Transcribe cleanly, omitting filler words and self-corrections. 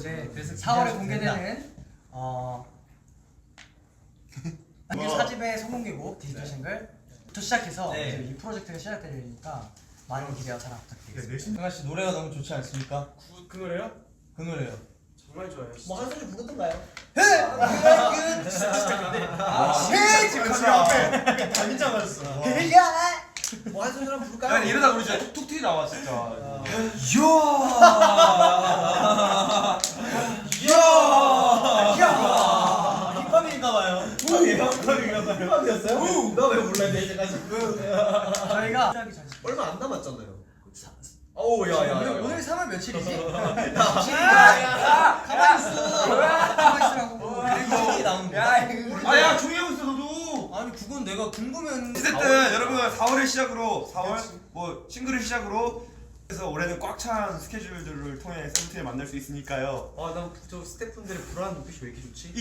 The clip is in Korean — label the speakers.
Speaker 1: 네, 그래서
Speaker 2: 4월에 공개되는 정규 4집의 성공개곡 디지털 싱글부터 시작해서
Speaker 1: 네.
Speaker 2: 이제 이 프로젝트가 시작되니까 많은 기대와 사랑 부탁드리겠습니다.
Speaker 3: 승아 씨 노래가 너무 좋지 않습니까?
Speaker 4: 그 노래요?
Speaker 3: 그 노래요.
Speaker 4: 정말 좋아요.
Speaker 1: 뭐 한 소절 부르던가요?
Speaker 3: 지금 앞에 단기장 맞았어.
Speaker 1: 뭐 한 소절 한번
Speaker 3: 야
Speaker 1: 부를까요?
Speaker 3: 이러다 우리 진짜 툭툭 튀 나와 진짜.
Speaker 1: 힙합인가봐요. 힙합이었어요? 너 왜 몰랐냐 이제까지?
Speaker 2: 저희가 시작하기 전
Speaker 1: 얼마 안 남았잖아요.
Speaker 2: 오늘 3월 며칠이지? 가만히 있으라고.
Speaker 1: 이게 나온 거야?
Speaker 3: 아야 조용히 하고 있어 너도.
Speaker 2: 아니 그건 내가 궁금한.
Speaker 3: 어쨌든 여러분 4월을 시작으로 4월 뭐 싱글을 시작으로 그래서 올해는 꽉 찬 스케줄들을 통해 세븐틴을 만날 수 있으니까요.
Speaker 1: 아, 난 저 스태프분들의 불안한 눈빛이 왜 이렇게 좋지?